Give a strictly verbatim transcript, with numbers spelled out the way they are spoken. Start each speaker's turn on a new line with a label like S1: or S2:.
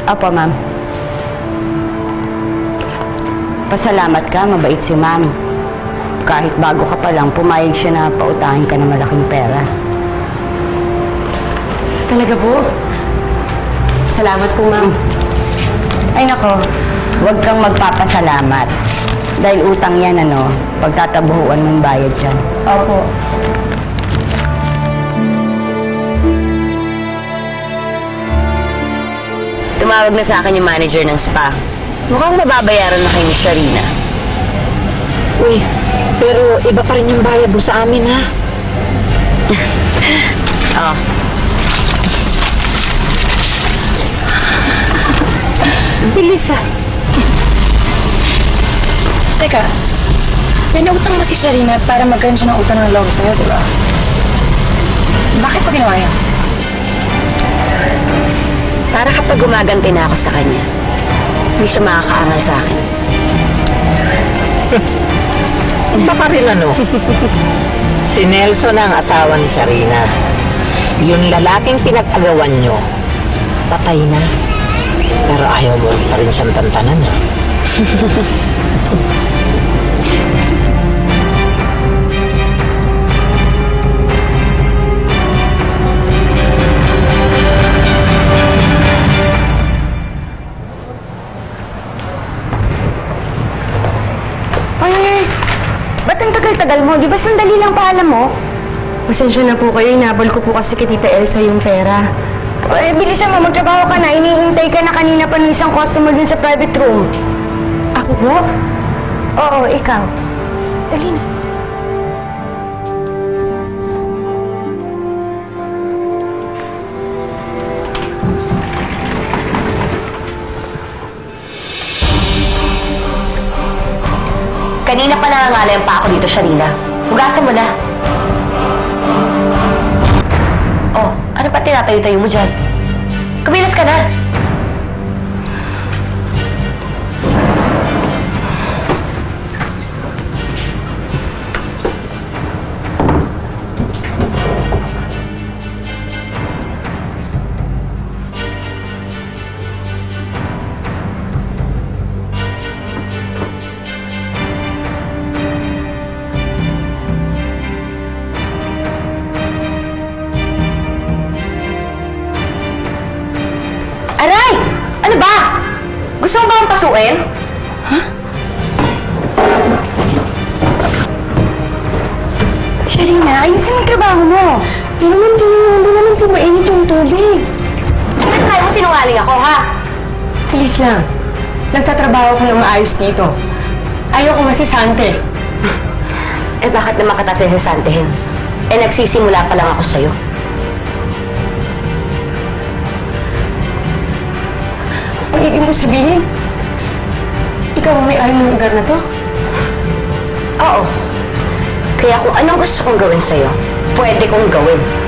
S1: Opo, ma'am. Pasalamat ka, mabait si ma'am. Kahit bago ka pa lang, pumayag siya na pautahin ka ng malaking pera.
S2: Talaga po? Salamat po, ma'am.
S1: Ay nako, huwag kang magpapasalamat. Dahil utang yan, ano, pagtatabuhuan mong bayad yan.
S2: Opo.
S3: Tumawag na sa akin yung manager ng spa. Mukhang mababayaran na kayo ni Sharina.
S4: Uy, pero iba pa rin yung bayad mo sa amin, ha?
S3: Oo.
S4: Bilis, ah.
S2: Teka, pinautang mo si Sharina para magkaroon siya ng utang ng loob sa'yo, di ba? Bakit pa ginawa yan?
S3: Para kapag gumaganti na ako sa kanya, hindi siya makakaangal sa akin.
S4: Baka rin ano? Si Nelson ang asawa ni Sharina. Yung lalaking pinag-agawan nyo, patay na. Pero ayaw mo pa rin siyang tantanan, ha?
S1: Tagal mo, di ba sandali lang paalam mo?
S2: Pasensya na po kayo, inabol ko po kasi kay Tita Elsa yung pera.
S1: Eh, bilisan mo, magtrabaho ka na. Iniintay ka na kanina pa ng isang customer dun sa private room.
S2: Ako po?
S1: Oo, ikaw. Dali na.
S3: Kanina pa nangangalayan pa ako dito, Sharina. Hugasan mo na. Oh, ano pa tinatayo-tayo mo dyan? Kumilas ka na. Aray! Ano ba? Gusto mo ba akong pasuin?
S2: Ha?
S1: Sharina, ayusin mo yung trabaho mo.
S2: Di naman, di, di naman po mainit yung tubig.
S3: Sinakay mo sinungaling ako, ha?
S2: Please lang. Nagtatrabaho ko ng maayos dito. Ayoko masisante.
S3: Eh, bakit naman kita sisisantihin? Eh, nagsisimula pa lang ako sa'yo.
S2: Ang ibig mo sabihin, ikaw ang may-ari ng lugar na to?
S3: Oo. Kaya kung anong gusto kong gawin sa'yo, pwede kong gawin.